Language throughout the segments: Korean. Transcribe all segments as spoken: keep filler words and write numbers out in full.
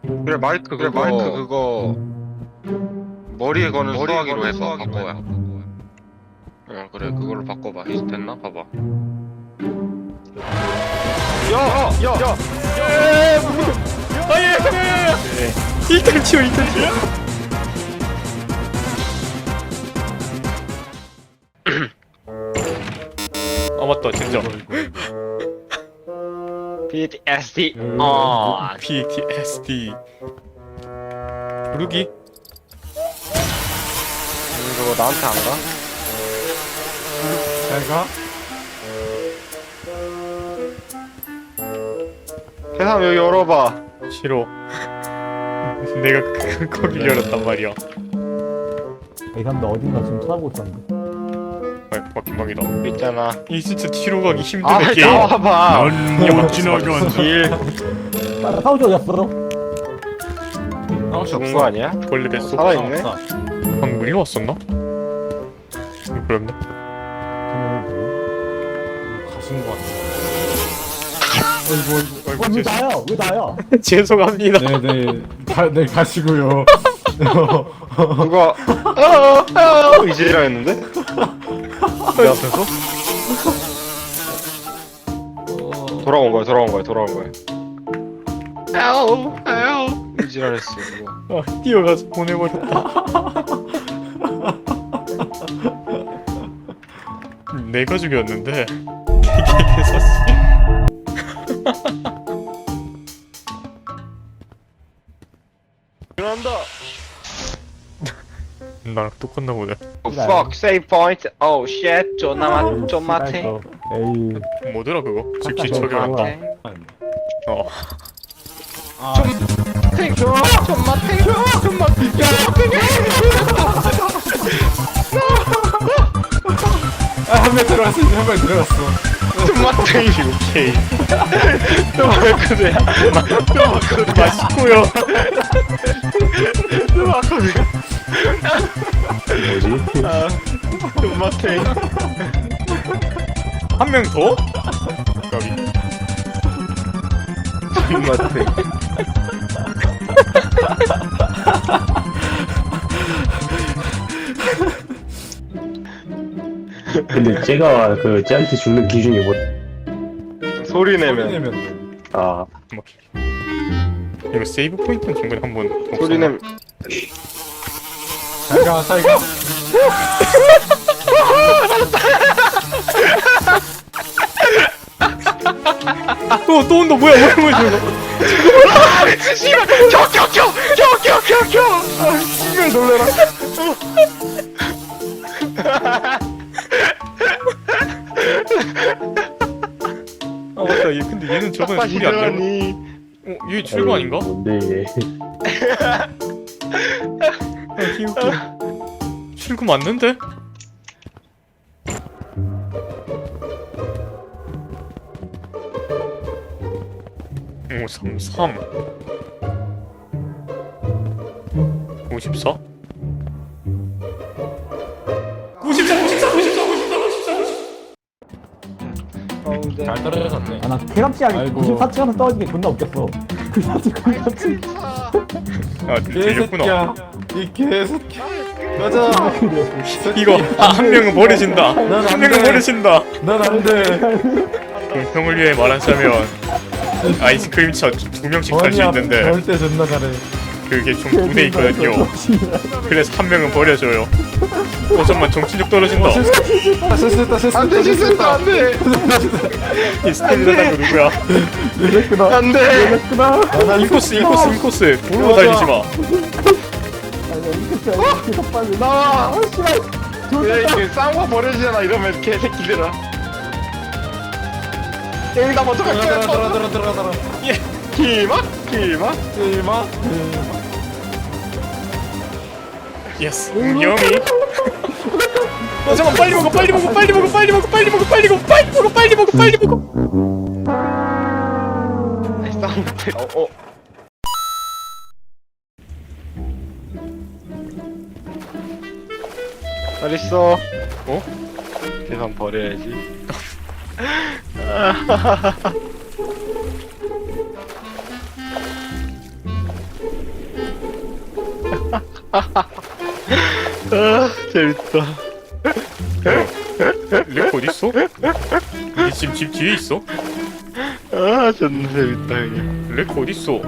그래 마이크 그래 마이크 그거 머리에 거는 수화기로 해봐. 바꿔야. 어 그래 그걸로 바꿔봐. 이제 됐나? 봐봐. 야! 야! 야! 아예 일단 치워 일단 치워. 아 맞다 진짜 피티에스디 어 피티에스디 부르기. 그거 나한테 안 가? 잘가? 세상 여기 열어봐. 싫어. 내가 그- 거기 열었단 말이야. 이 사람들 어딘가 지금 찾아보고 있었는데. 아 막힌방이다. 있잖아. 이 진짜 뒤로 가기 힘든 아 게임. 나와봐. 못 지나간다. 길 빨리 사우지 어디였어? 죽은 거 아니야? 원래 뱃속 살아있네? 방금 일로 왔었나? 그렇네. 가신 거 같아. 어이구 어이구 왜 나야? 왜 나야? 죄송합니다. 네네. 가, 네 가시고요. 누가 어어어 이지라 했는데? 내 앞에서? 돌아온 거야 돌아온 거야 돌아온 거야. 아우 아우 이지랄했어 이거. 아, 뛰어가서 보내버렸다. 내가 죽였는데 이게 개사씨. 일어난다. 나랑 똑같나 보네. Oh, fuck save point. Oh shit 존나 맛 존맛 탱. 에이. 뭐더라 그거? 즉시 아까 처리한다. 저거 어. 아, 탱 존맛 존맛 탱 존맛 한명 들어갔어. 한 명 들어갔어. 존맛 탱이 오케이. 또말 그대야. 또말 그대. 맛있고요. 또말 그대. 뭐지? 존맛 탱. 한 명 더? 까비. 존맛 탱. 근데 쟤가 그 쟤한테 죽는 기준이 뭐? 소리 내면. 내면 아 뭐. 이거 세이브 포인트는 중간에 한번 소리 내면. 잘가 잘가. 또, 또 온다. 뭐야, 뭐야, 뭐야, 저거. 씨발 켜켜켜켜켜켜켜. 아 씨발 놀래라. 아, 맞다. 얘, 근데 얘는 저번에 소리 안 들어. 들어가니. 어, 얘 출구 아닌가? 뭔데 얘? 아, 귀엽게. 출구 맞는데? 오, 삼십삼. 오십사? 구십사, 구십사, 구십사, 구십사, 구십사. 잘 떨어졌네. 아, 나 쾌감치하게 구십사 층에서 떨어진 게 존나 웃겼어. 그 사진 쾌감치. 아, 들렸구나. 이 개새끼. 가자. 이거, 아, 한 명은 버려진다. 안 한 명은 돼. 버려진다. 난 안 돼. 공평을 위해 말하자면, 아이스크림 차 두 명씩 탈 수 있는데, 절대 존나 잘해. 그게 좀 분해 있거든요. 그래서 한 명은 버려줘요. 어, 잠깐만, 정신력 떨어진다. 실수했다 실수했다. 안돼 실수했다 안돼. 이 스텔라는 거 누구야? 이랬구나. 안돼. 이랬구나. 인코스, 인코스, 인코스. 도로 달리지 마. 빨리 나와. 아 씨발. 왜 이렇게 쌍화 버려지잖아 이러면 개새끼들아. 여기다 먼저 들어가 갈게. 들어가 들어가 들어가 들어가. 기마 기마. 이마. 예스. 여미. 어, 잠깐 빨리 먹어, 빨리 먹어, 빨리 먹어, 빨리 먹어, 빨리 먹어, 빨리 먹어, 빨리 먹어, 빨리 먹어, 빨리 먹어. 쌍화 때. 어 어. 잘 있어. 어? 계산 버려야지. 아 재밌다. 레코 어딨어? 니 지금 집 뒤에 있어? 아 존나 재밌다 그냥. 레코 어딨어?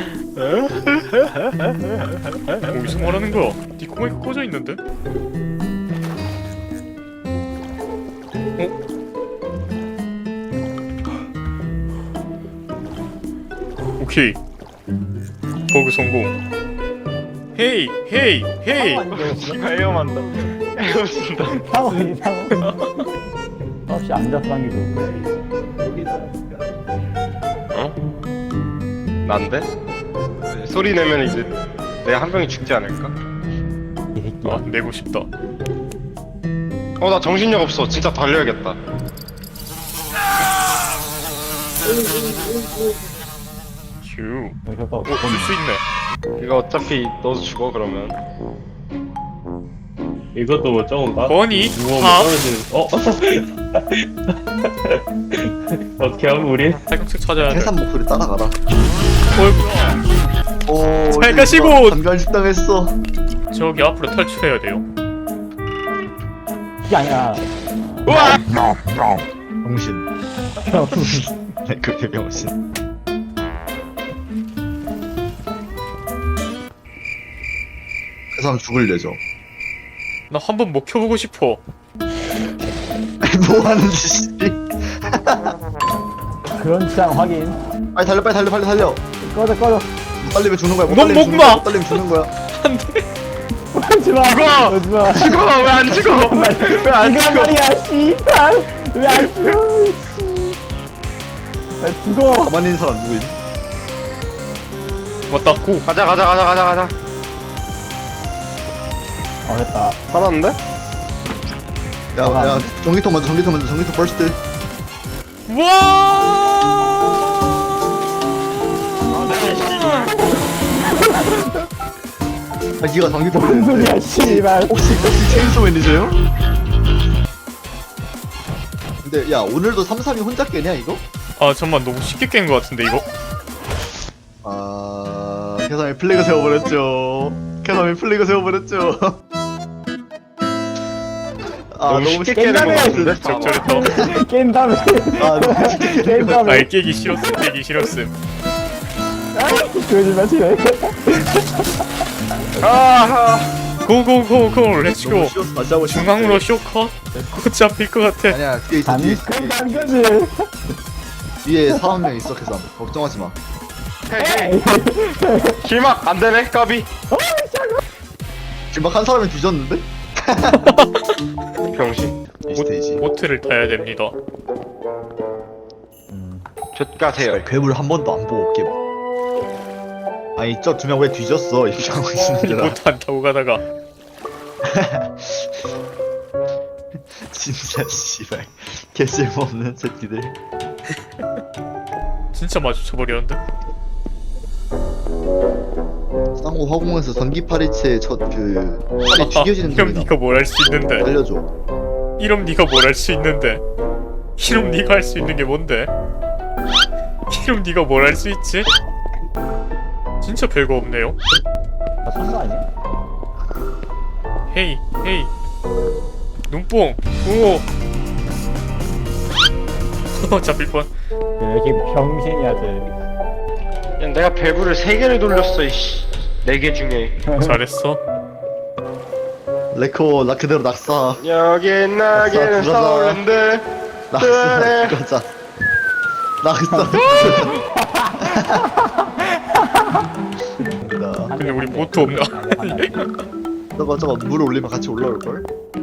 어디서 말하는 거야? 니 코마이크 꺼져 있는데? 어? 오케이 버그 성공. 헤이 헤이 헤이. 씨발 헤엄한다. 헤엄친다. 상원이 상원. 없이 앉아서 하는 게 좋을 어? 난데? 소리 내면 이제 내 한 명이 죽지 않을까? 이 새끼야. 아 내고 싶다. 어 나 정신력 없어. 진짜 달려야겠다. 휴. 여기서 어, 줄 수 있네. 이거 어차피 너도 죽어 그러면. 이것도 뭐 적은가? 버니 누워 팝 떨어지는. 어? 어떻게 하면 우리? 팔각색 찾아야 돼. 해산 목소리 따라가라. 어이구야. 오, 잘 가시고! 단간식당했어. 저기 앞으로 탈출해야 돼요. 그게 아니라. 우와! 병신. 그게 병신. 그 사람 죽을 예정. 나 한 번 먹혀보고 싶어. 뭐 하는 짓이? 그런 취향 확인. 빨리 달려, 빨리 달려, 빨리 달려. 꺼져 꺼져. 못 달리면 죽는 거야. 못 넌 달리면 죽는 먹마! 거야. 못 달리면 죽는 거야. 하지마. 죽어! 하지마. 죽어 왜 안 죽어? 왜 안 이거 죽어? 말이야 씨발. 왜안 죽어? 씨. 나 죽어. 가만히 있는 사람 누구임? 왔다 고. 가자 가자 가자 가자 가자. 어 됐다. 살았는데? 야, 야, 전기통 먼저, 전기통 먼저, 전기통 퍼스트. 아, 니가 전기통 무슨 먼저. 소리야 씨발. 혹시 혹시 체인소 매니저요? 근데 야 오늘도 삼삼이 혼자 깨냐 이거? 아 잠만 너무 쉽게 깬 거 같은데 이거? 아 캐삼이 플래그 세워버렸죠. 캐삼이 플래그 세워버렸죠. 아 너무 너무 쉽게 쉽게 깨는 거 깨는 거 같은데? 적절했다. 깬 다음에 아 너무 쉽게 깨는 깬 거. 다음에 날 깨기 싫었음 깨기 싫었음. 그러지 마시네. 아하. 고고고고 렛츠고. 너무 쉬워서 다시 하고 싶은데. 중앙으로 쇼컷? 곧 잡힐 것 같아. 아니야 뒤에 있어 뒤에 있어 잠깐 간 거지. 뒤에 사람 명 있어 캐삼 걱정하지 마. 헤이. 길막 안 되네 까비. 지금 막 한 사람이 뒤졌는데? 병신. 이 스테이지. 보트를 타야 됩니다. 좆가세요. 괴물 한 번도 안 보고 올게 봐. 아니 저 두 명 왜 뒤졌어 이 병신들아. 보트 안 타고 가다가 진짜 씨발 개쓸모없는 새끼들. 진짜 마주쳐버렸는데? 쌍고 화공에서 전기 파리채 첫그 팔이 튀겨지는 이럼 소리나. 네가 뭘 할 수 있는데? 알려줘. 이럼 네가 뭘 할 수 있는데? 이럼 네가 할 수 있는 게 뭔데? 이럼 네가 뭘 할 수 있지? 진짜 별거 없네요. 다산거 아니야? 헤이 헤이 눈뽕 오 잡힐 뻔. 왜 이렇게 병신이야 쟤. 야, 내가 밸브를 세 개를 돌렸어 이씨. 네 개 중에. 잘했어. 레코 나 그대로 낙사. 여기 나기는 들어가자. 서울랜드. 낙사 그래. 죽었자. 낙사. 근데 우리 보트 없나? 저거 저거 물 올리면 같이 올라올 걸?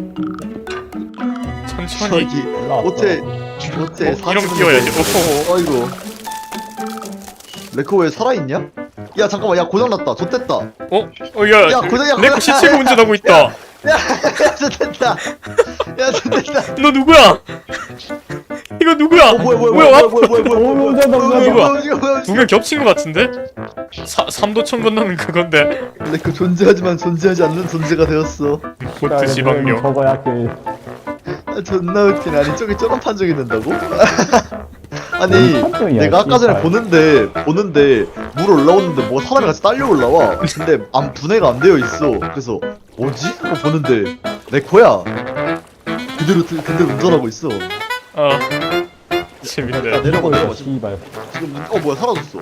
천천히. 저기 올라왔어. 호텔 호텔 어, 이러면 뛰어야지. 오호. 어이구. 레코 왜 살아있냐? 야 잠깐만 야 고장났다. 좋댔다. 어? 어, 야, 야, 고장- 야, 내거 고장- 시체가 운전하고 있다. 야, 야, 좋댔다. 야, 좋댔다. 너 누구야? 이거 누구야? 어, 뭐야, 뭐야, 뭐야? 뭐야, 뭐야, 뭐야, 뭐야, 오, 뭐야, 운전다, 뭐야, 운전다. 뭐야, 뭐야, 뭐야. 두 명 겹친 것 같은데? 사, 삼도천 건너는 그건데. 레코 존재하지만 존재하지 않는 존재가 되었어. 보트 지방령. 저거야 그. 아, 존나 웃기네. 아니, 저기 저런 판정이 된다고? 아니, 판정이야, 내가 아까 전에 씨발. 보는데, 보는데, 물 올라오는데 뭐 사람이 같이 딸려 올라와. 근데 안 분해가 안 되어 있어. 그래서 뭐지? 하고 보는데 내 거야. 그대로 드- 그대로 운전하고 있어. 아 나 재밌네. 내려가 내려가 지금. 씨발. 지금 문- 어 뭐야 사라졌어.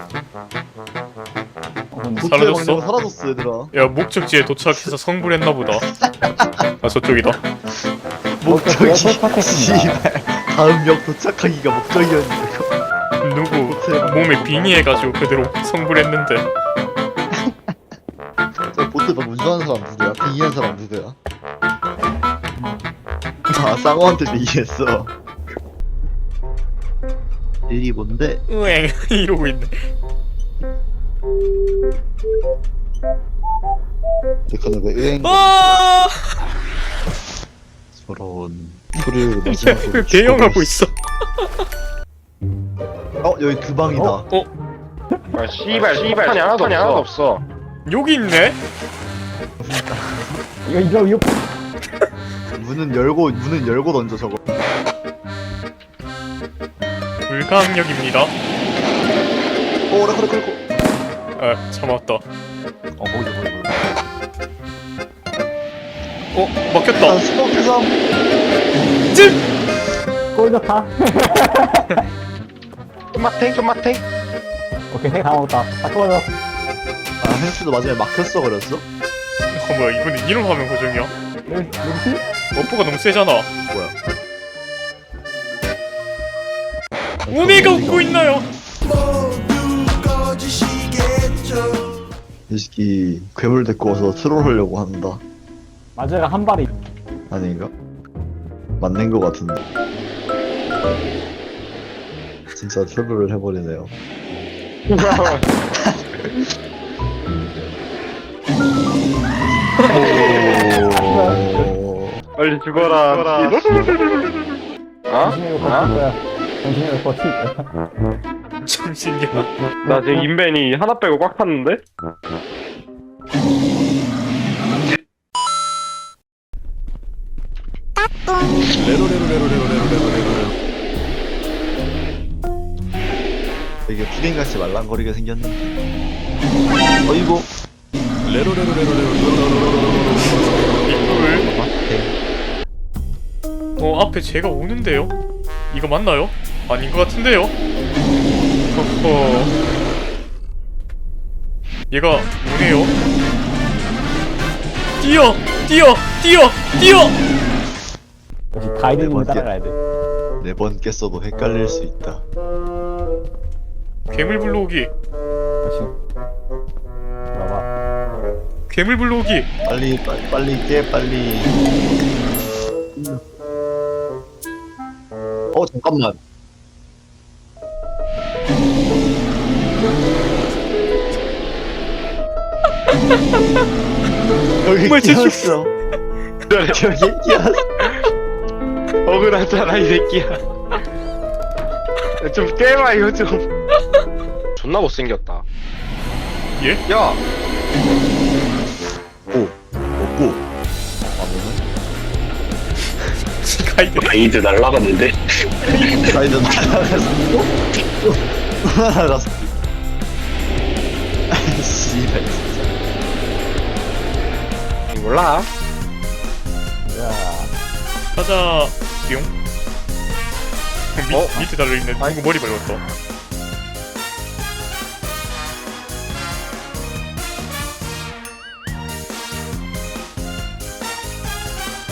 어, 근데 도트의 사라졌어? 방향 사라졌어 얘들아. 야 목적지에 도착해서 성불했나 보다. 아 저쪽이다. 목적이 도착했습니다. 씨발. 다음 역 도착하기가 목적이었는데. 누구 도트의 방향. 몸에 빙의해가지고 그대로 성불했는데. 저 보트 막 운전하는 사람 누구야? 빙의한 사람 누구야? 아 쌍어한테 빙의했어. 일이 뭔데? 으엥 이러고 있네. 내카는 왜 으행 아 저런 소리를 마지막으로 개영하고 있어. 어 여기 그 방이다. 어 아 씨발 씨발 판이 하나도 없어. 하나도 없어. 여기 있네. 이거 이거 이거 문은 열고 문은 열고 던져 저거. 불가항력입니다. 어 그래 그래 그래. 아 참았다. 어 거기서 거기 거기. 어 일단 막혔다. 스모크 삼. 찜. 꼴 좋다. 토마탱 토마탱. 오케이 해 다 먹었다. 다 꺼져. 아 햄스도 마지막에 막혔어 그랬어? 어 뭐야 이번엔 이런 화면 고정이야? 여기 누구지? 버프가 너무 세잖아. 뭐야? 오메가 웃고 있나요? 이 새끼 괴물 데리고 와서 트롤하려고 한다. 마저가 한 발이. 아닌가? 맞는 거 같은데. 진짜 트롤을 해버리네요. 오. 빨리 죽어라. 어? 정신을 버틸 어? 거야. 정신을 버틸 거야. 잠시만요. 나 지금 인벤이 하나 빼고 꽉 찼는데? 되게 푸딩같이 말랑거리게 생겼는데. 어이구. 이걸 어 앞에 제가 오는데요? 이거 맞나요? 아닌 것 같은데요? 허허 얘가 오네요? 뛰어! 뛰어! 뛰어! 뛰어! 역시 가이드님을 네 번째. 따라가야 돼. 네 번 깼어도 헷갈릴 수 있다. 괴물 불러오기 역시. 봐봐. 괴물 불러오기 빨리 빨리 빨리 깨 빨리. 어 잠깐만. 여기 정말 제출- 끼었어. 여기 끼었어. 억울하잖아 이 새끼야. 좀 깨봐 이거 좀. 존나 못생겼다. 예? 야 오 없고. 가이드 가이드 날라갔는데? 가이드 날아갔어. 또 날아갔어. 씨발 진짜. 몰라. 야. 가자 뿅 미, 어? 밑에 달려있네 누구 머리 밟았다